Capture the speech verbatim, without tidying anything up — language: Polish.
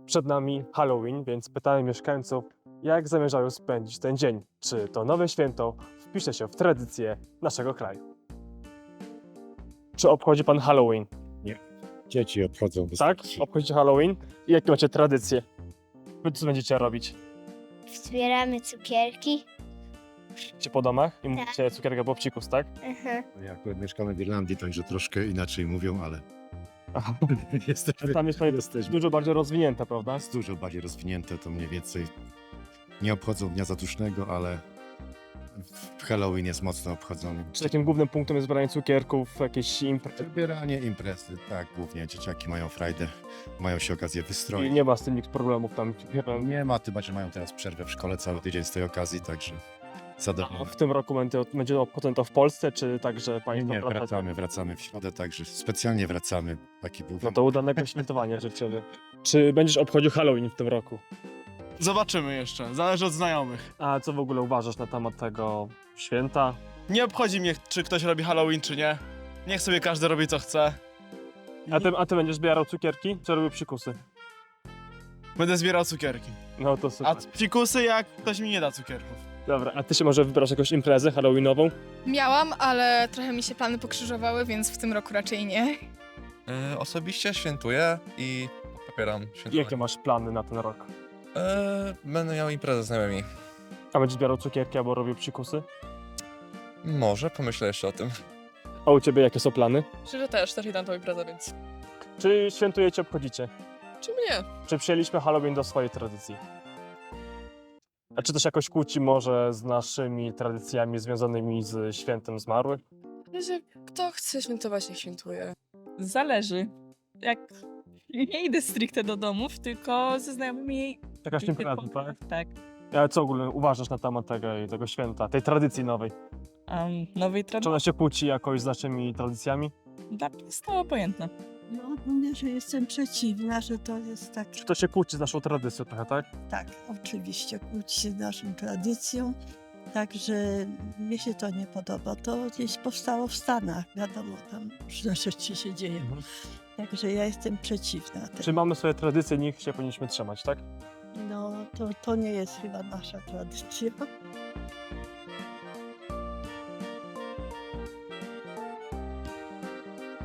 Przed nami Halloween, więc pytałem mieszkańców, jak zamierzają spędzić ten dzień. Czy to nowe święto wpisze się w tradycję naszego kraju? Czy obchodzi pan Halloween? Dzieci obchodzą Tak? wystarczy. Obchodzicie Halloween? I jakie macie tradycje? Wy co będziecie robić? Zbieramy cukierki. Idziecie po domach i mówicie cukierka bobcikus, tak? Aha. Ja akurat mieszkamy w Irlandii, także troszkę inaczej mówią, ale Aha. jesteśmy, Tam jest pewnie jesteśmy dużo bardziej rozwinięte, prawda? jest dużo bardziej rozwinięte, to mniej więcej nie obchodzą Dnia Zadusznego, ale w Halloween jest mocno obchodzony. Czy takim głównym punktem jest zbieranie cukierków, jakieś imprezy? Wybieranie imprezy, tak, głównie dzieciaki mają frajdę, mają się okazję I wystroić. nie ma z tym nikt problemów tam. Nie ma, chyba, że mają teraz przerwę w szkole cały tydzień z tej okazji, także A zadowolony. w tym roku będzie, będzie obchodzone to w Polsce, czy także Nie, państwo nie, wracacie? wracamy, wracamy w środę, także specjalnie wracamy. Taki był No to udanego świętowania życzę. Czy będziesz obchodził Halloween w tym roku? Zobaczymy jeszcze, zależy od znajomych. A co w ogóle uważasz na temat tego święta? Nie obchodzi mnie, czy ktoś robi Halloween, czy nie. Niech sobie każdy robi, co chce. A ty, a ty będziesz zbierał cukierki, czy robił psikusy? Będę zbierał cukierki. No to A super. psikusy, jak ktoś mi nie da cukierków. Dobra, a ty się może wybrasz jakąś imprezę halloweenową? Miałam, ale trochę mi się plany pokrzyżowały, więc w tym roku raczej nie. E, osobiście świętuję i popieram świętowanie. Jakie masz plany na ten rok? E, będę miał imprezę z znajomymi. A będziesz zbierał cukierki albo robił psikusy? Może, pomyślę jeszcze o tym. A u ciebie jakie są plany? Szczerze też, też idę na tą imprezę, więc... Czy świętujecie, obchodzicie? Czym nie? Czy przyjęliśmy Halloween do swojej tradycji? A czy to się jakoś kłóci może z naszymi tradycjami związanymi z świętem zmarłych? Że kto chce świętować, niech świętuje. Zależy. Jak nie idę stricte do domów, tylko ze znajomymi. Jakaś impreza, tak? Tak. A co w ogóle uważasz na temat tego, tego święta, tej tradycji nowej? Um, nowej Czy tradycji. ona się kłóci jakoś z naszymi tradycjami? Dla mnie jest to obojętne. No, mówię, że jestem przeciwna, że to jest tak, Czy to się kłóci z naszą tradycją trochę, tak? tak, oczywiście kłóci się z naszą tradycją, także mnie się to nie podoba. To gdzieś powstało w Stanach, wiadomo, tam różne rzeczy się dzieją, także ja jestem przeciwna. Czy mamy swoje tradycje, nich się powinniśmy trzymać, tak? No, to, to nie jest chyba nasza tradycja.